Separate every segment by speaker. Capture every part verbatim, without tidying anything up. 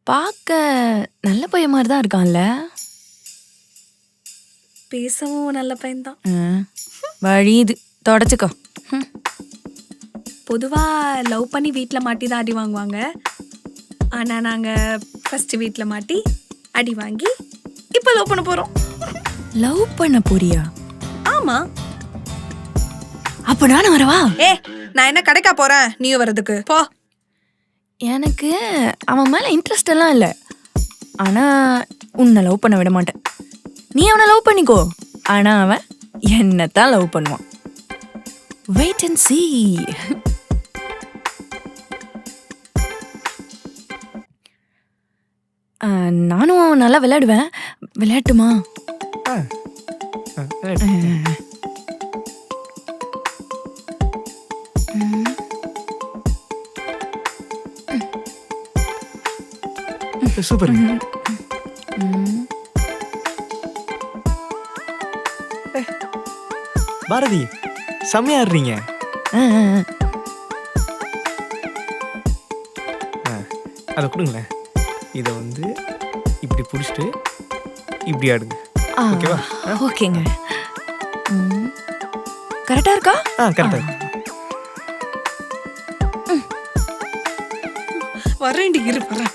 Speaker 1: பார்க்க நல்ல பையன் மாதிரி தான் இருக்கான்ல.
Speaker 2: பேசவும் நல்ல பையன்தான்.
Speaker 1: ம், வழியுது தொடச்சிக்கோ. ம்.
Speaker 2: பொதுவாக லவ் பண்ணி வீட்டில் மாட்டி தான் அடி வாங்குவாங்க. ஆனால் நாங்கள் ஃபஸ்ட்டு வீட்டில் மாட்டி அடி வாங்கி இப்போ லவ் பண்ண போகிறோம்.
Speaker 1: லவ் பண்ண போறியா?
Speaker 2: ஆமாம்.
Speaker 1: அப்ப நானும் வரவா?
Speaker 2: ஏ, நான் என்ன கடைக்கா போகிறேன் நீயும் வர்றதுக்கு? போ.
Speaker 1: எனக்கு அவன் மேல இன்ட்ரெஸ்ட் எல்லாம் இல்லை. ஆனா உன்னை லவ் பண்ண விட மாட்டேன். நீ அவனை லவ் பண்ணிக்கோ. ஆனா அவன் என்னத்தான் லவ் பண்ணுவான். Wait and see. ஆ, நானும் நல்லா விளையாடுவேன். விளையாட்டுமா?
Speaker 3: ஆ ஆ, விளையாடு. சூப்பர். பாரதி செம்மையா ஆடுறீங்க.
Speaker 1: ஆ, ஆ, ஆ.
Speaker 3: ஆ, அதை கொடுங்களேன். இதை வந்து இப்படி பிடிச்சிட்டு இப்படி ஆடுங்க.
Speaker 1: ஆ,
Speaker 3: ஓகேவா?
Speaker 1: ஓகேங்க. ம். கரெக்டா இருக்கா?
Speaker 3: ஆ கரெக்டாக இருக்கு.
Speaker 2: வரேன்டி, இரு வரேன்.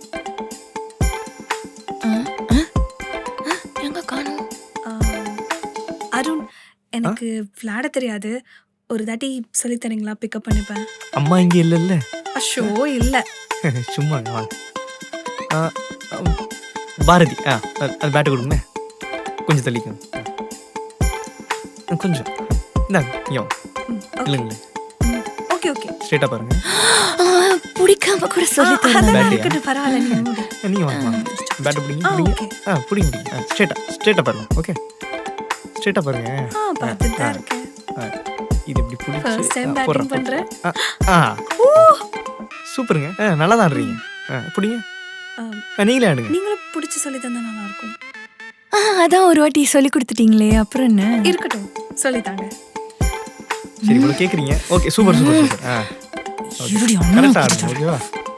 Speaker 1: ஆ, ஆ, ஆ, எங்க காணோம்?
Speaker 2: அருண், எனக்கு விளையாட தெரியாது. ஒரு தாட்டி சொல்லித் தரீங்களா? பிக்கப் பண்ணிப்பேன்.
Speaker 3: அம்மா இங்கே இல்லைல்ல.
Speaker 2: அஷோ இல்லை.
Speaker 3: சும்மா வாங்க. ஆ, ஆ, பாரதி ஆ அது அது பேட்டை கொடுங்க. கொஞ்சம் தள்ளிக்கோங்க. ஆ, கொஞ்சம் இந்தாங்க. இங்கே வாங்க. இல்லைங்களே,
Speaker 2: ஓகே ஓகே.
Speaker 3: ஸ்ட்ரெயிட்டாக பாருங்க.
Speaker 1: ஆ, பிடிக்காம கூட சொல்லி
Speaker 2: அதெல்லாம்
Speaker 3: பேட்டியா?
Speaker 2: இருக்கட்டும், பரவாயில்ல. நீ மூடு.
Speaker 3: நீங்கள் வாங்க வாங்க. பேட்டை பிடிங்க
Speaker 2: ஆ,
Speaker 3: பிடிங்க.
Speaker 2: ஓகே.
Speaker 3: ஆ பிடிங்க பிடிங்க. ஆ ஸ்ட்ரெயிட்டாக ஸ்ட்ரெயிட்டாக பாருங்க. ஓகே, ஸ்ட்ரெயிட்டாக பாருங்க.
Speaker 2: ஆ, பார்த்துட்டு தான் இருக்கேன்.
Speaker 3: ஆ, இது இப்படி பிடிச்சி
Speaker 2: First time
Speaker 3: ஆ,
Speaker 2: batting
Speaker 3: போடுறேன்.
Speaker 2: பண்றேன்.
Speaker 3: ஆ ஆ சூப்பருங்க. ஆ நல்லா தான் ஆடுறீங்க. ஆ பிடிங்க.
Speaker 2: ஆ,
Speaker 3: ஆ, நீங்களே ஆடுங்க.
Speaker 2: நீங்களும் பிடிச்சி சொல்லி தந்தா நல்லா இருக்கும்.
Speaker 1: ஆ, அதான் ஒரு வாட்டி சொல்லி கொடுத்துட்டீங்களே, அப்புறம் என்ன?
Speaker 2: இருக்கட்டும், சொல்லித்தாங்க.
Speaker 3: சரி இவ்வளோ கேட்குறீங்க. Okay super super super. ஆ
Speaker 1: இருடி, அம்மா
Speaker 3: கரெக்டாக ஆடுங்க. ஓகேவா?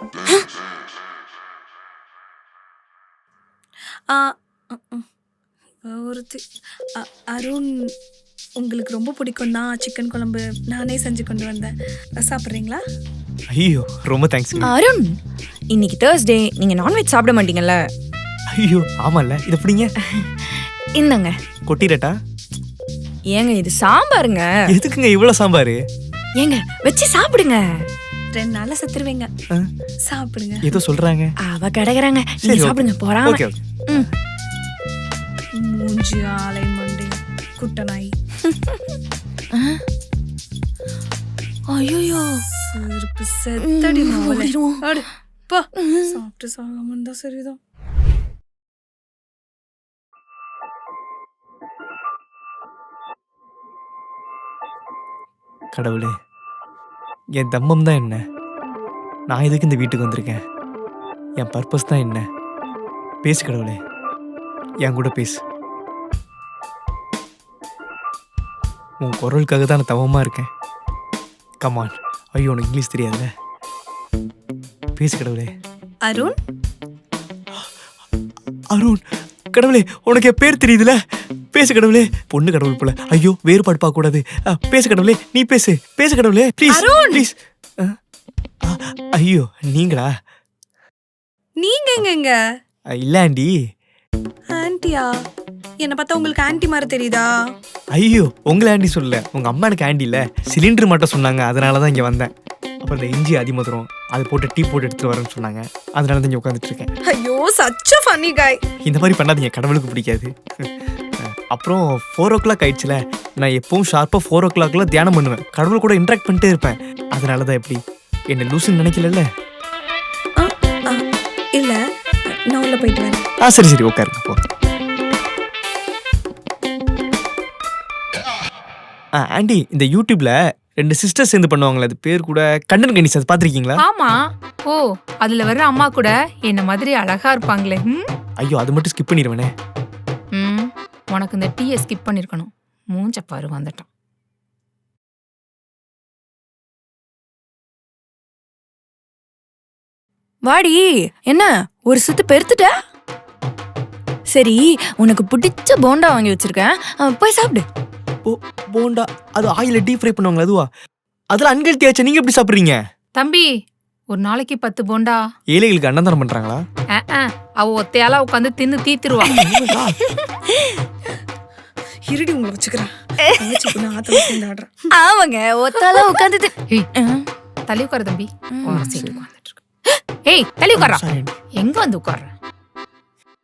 Speaker 2: ஆ, ம், ம். ஒருத்தி அ- அருண், உங்களுக்கு ரொம்ப பிடிக்கும் தான் சிக்கன் குழம்பு நானே செஞ்சு கொண்டு வந்தேன். சாப்பிட்றீங்களா?
Speaker 3: ஐயோ ரொம்ப தேங்க்ஸ்.
Speaker 1: அருண், இன்னைக்கு தேர்ஸ்டே, நீங்க நான்வெஜ் சாப்பிட மாட்டீங்கல்ல?
Speaker 3: ஐயோ ஆமாம்ல. இதை பிடிங்க.
Speaker 1: இந்தாங்க.
Speaker 3: கொட்டிரட்டா?
Speaker 1: ஏங்க இது சாம்பாருங்க.
Speaker 3: எதுக்குங்க இவ்வளோ சாம்பார்?
Speaker 1: ஏங்க வச்சு சாப்பிடுங்க.
Speaker 2: ரெண்டு நாள்ல செத்துருவீங்க.
Speaker 3: ஆ,
Speaker 2: சாப்பிடுங்க.
Speaker 3: ஏதோ சொல்கிறாங்க.
Speaker 1: அவ கிடக்குறாங்க.
Speaker 3: சரி,
Speaker 1: நீங்க
Speaker 3: ஓகே.
Speaker 1: சாப்பிடுங்க போறாம.
Speaker 3: Okay okay.
Speaker 1: ம்.
Speaker 2: மூஞ்சி ஆலை மண்டி குட்ட நாய்.
Speaker 1: ஐயோ,
Speaker 2: செருப்பு செத்தடி மாவளே.
Speaker 1: ஓடிடுவோம்.
Speaker 2: அடு, போ. சாப்பிட்டு சாகாம இருந்தா சரிதான்.
Speaker 3: கடவுளே, என் தம்மம் தான் என்ன? நான் எதுக்கு இந்த வீட்டுக்கு வந்திருக்கேன்? என் பர்பஸ் தான் என்ன? பேசு கடவுளே, என் கூட பேசு. உன் குரலுக்காக தான் நான் தவமாக இருக்கேன். கமான். ஐயோ உனக்கு இங்கிலீஷ் தெரியாதுல்ல. பேசு கடவுளே.
Speaker 2: அருண்,
Speaker 3: அருண், கடவுளே உனக்கு என் பேர் தெரியுதுல. பேசு கடவுளே. பொண்ணு கடவுள் போல. ஐயோ வேறுபாடு பார்க்க கூடாது. ஆ, பேசு கடவுளே. நீ பேசு. பேசு கடவுளே ப்ளீஸ் ப்ளீஸ். ஐயோ நீங்களா?
Speaker 2: நீங்க எங்கங்க?
Speaker 3: ஆ, இல்ல ஆண்டி.
Speaker 2: ஆன்ட்டியா? என்னை பார்த்தா உங்களுக்கு ஆன்ட்டி மாதிரி தெரியுதா?
Speaker 3: ஐயோ உங்களை ஆண்டி சொல்லல. உங்க அம்மா எனக்கு ஆண்டி இல்ல, சிலிண்டர் மட்டும் சொன்னாங்க. அதனால தான் இங்க வந்தேன். அப்புறம் இந்த இஞ்சி அதிமதுரம் அது போட்டு டீ போட்டு எடுத்துட்டு வரேன்னு சொன்னாங்க. அதனால தான் இங்க உட்காந்துட்டு இருக்கேன்.
Speaker 2: ஐயோ, சச் a funny guy.
Speaker 3: இந்த மாதிரி பண்ணாதீங்க, கடவுளுக்கு பிடிக்காது. அப்புறம் ஃபோர் ஓ கிளாக் ஆயிடுச்சுல. நான் எப்பவும் ஷார்ப்பாக ஃபோர் ஓ கிளாக்ல தியானம் பண்ணுவேன். கடவுள் கூட இன்ட்ராக்ட் பண்ணிட்டே இருப்பேன். அதனால தான் எப்படி என்ன லூசுன்னு நினைக்கல.
Speaker 2: ஆ, ஆ, இல்ல, நான் உள்ள போயிட்டு வரேன்.
Speaker 3: ஆ சரி சரி உட்காருங்க போ. ஆ ஆண்டி, இந்த யூடியூப்ல ரெண்டு சிஸ்டர்ஸ் சேர்ந்து பண்ணுவாங்களே, அது பேர் கூட கண்டன் கணிஸ், அது பார்த்துருக்கீங்களா?
Speaker 4: ஆமா. ஓ, அதுல வர்ற அம்மா கூட என்ன மாதிரி அழகா இருப்பாங்களே. ம்?
Speaker 3: ஐயோ அது மட்டும் ஸ்கிப் பண்ணிடுவேனே.
Speaker 4: ம், உனக்கு இந்த டீயை ஸ்கிப் பண்ணிருக்கணும். மூஞ்ச பாரு வந்துட்டான்.
Speaker 1: வாடி. என்ன ஒரு சுத்து பெருத்துட்ட? சரி, உனக்கு பிடிச்ச போண்டா வாங்கி வச்சிருக்கேன், அஹ், போய் சாப்பிடு.
Speaker 3: போ போண்டா அது ஆயில டீப் ஃப்ரை பண்ணுவாங்களா அதுவா? அதெல்லாம் அன்கெல்த்தி ஆச்சு, நீங்க எப்படி சாப்பிடுறீங்க?
Speaker 4: தம்பி ஒரு நாளைக்கு பத்து போண்டா.
Speaker 3: ஏழைகளுக்கு அன்னதானம் பண்றாங்களா?
Speaker 4: அஹ், அஹ், அவ ஒத்தையால உட்காந்து தின்னு தீத்துருவா.
Speaker 2: இருடி உங்களை வச்சுக்கிறேன். தங்கச்சி பொண்ணு ஆத்துல சேர்ந்து ஆடுறேன்.
Speaker 1: ஆமாங்க, ஒத்தால உட்காந்து
Speaker 4: ஏய், தள்ளி உட்காரு தம்பி. உன் சீட்டு உட்கார்ந்துட்டு இருக்கு. ஏய் தள்ளி உட்கார்றா.
Speaker 3: Sorry.
Speaker 4: எங்க வந்து உட்கார்ற?